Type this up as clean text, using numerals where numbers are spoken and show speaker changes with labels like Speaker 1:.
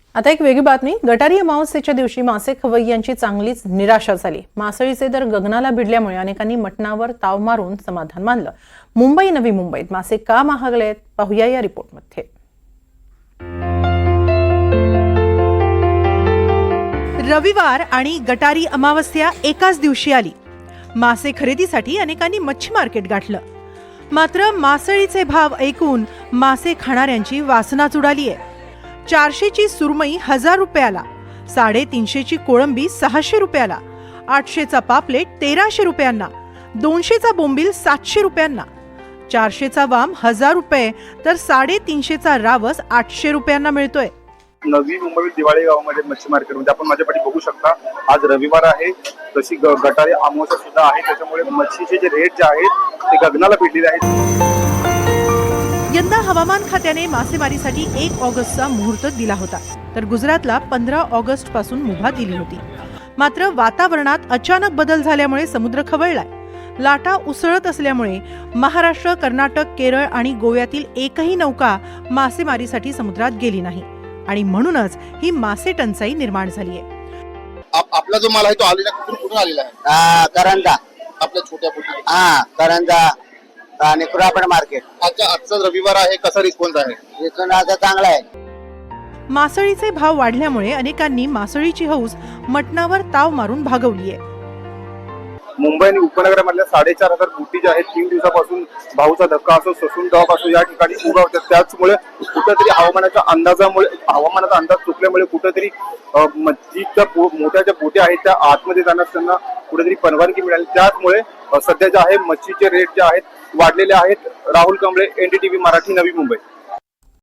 Speaker 1: आता एक वेगळी बातमी। गटारी अमावस्येच्या दिवशी मासे खवय्यांची चांगलीच निराशा झाली। मासळीचे दर गगनाला भिडल्यामुळे अनेकांनी मटणावर ताव मारून समाधान मानलं। मुंबई नवी मुंबईत मासे का महागलेत पाहूया या रिपोर्टमध्ये।
Speaker 2: रविवार आणि गटारी अमावस्या एकाच दिवशी आली। मासे खरेदीसाठी अनेकांनी मच्छी मार्केट गाठलं। मात्र मासळीचे भाव ऐकून मासे खाणाऱ्यांची वासनाच उडाली आहे। 400 ची सुरमई 1000 रुपयाला, 350 ची कोळंबी 600 रुपयाला, 800 चा पापलेट 1300 रुपयांना, 200 चा बोंबील 700 रुपयांना, 400 चा वाम 1000 रुपये तर 350 चा रावस 800 रुपयांना मिळतोय।
Speaker 3: नवी मुंबई दिवाळी गावामध्ये मच्छी मार्केटमध्ये आपण माझ्या पाठी बघू शकता। आज रविवार आहे, तशी गटारी अमावस्या सुद्धा आहे, त्याच्यामुळे मच्छीचे जे रेट जे आहेत ते गगनाला भिडलेले आहेत।
Speaker 2: यंदा हवामान खात्याने मासेमारीसाठी 1 ऑगस्टचा मुहूर्त दिला होता, तर गुजरातला 15 ऑगस्ट पासून मुभा दिली होती। मात्र वातावरणात अचानक बदल झाल्यामुळे समुद्र खवळलाय। लाटा उसळत असल्यामुळे महाराष्ट्र, कर्नाटक, केरळ आणि गोव्यातील एकही नौका मासेमारीसाठी समुद्रात गेली नाही आणि म्हणूनच ही मासे टंचाई निर्माण झाली आहे।
Speaker 4: आपला जो माल आहे तो आलेला कुठून आलेला आहे?
Speaker 5: करंजा,
Speaker 4: आपल्या छोट्या बोटी।
Speaker 5: करंजा आणि कुरापड मार्केट।
Speaker 4: आजचा रविवार आहे, कसा रिस्पॉन्स आहे?
Speaker 5: इथून आता चांगला आहे।
Speaker 2: मासळीचे भाव वाढल्यामुळे अनेकांनी मासळीची हौस मटणावर ताव मारून भागवली आहे।
Speaker 3: मुंबई आणि उपनगरामधल्या 4500 बोटी ज्या आहेत 3 दिवसापासून भाऊचा धक्का असो, ससून डॉक असो, या ठिकाणी उभा होत्या। त्याचमुळे कुठेतरी हवामानाचा अंदाज चुकल्यामुळे कुठेतरी मच्छीच्या मोठ्या ज्या बोटी आहेत त्या आतमध्ये जाण्यास त्यांना कुठेतरी परवानगी मिळाली। त्याचमुळे सध्या जे आहे मच्छीचे रेट जे आहेत वाढलेले आहेत। राहुल कांबळे, NDTV मराठी, नवी मुंबई।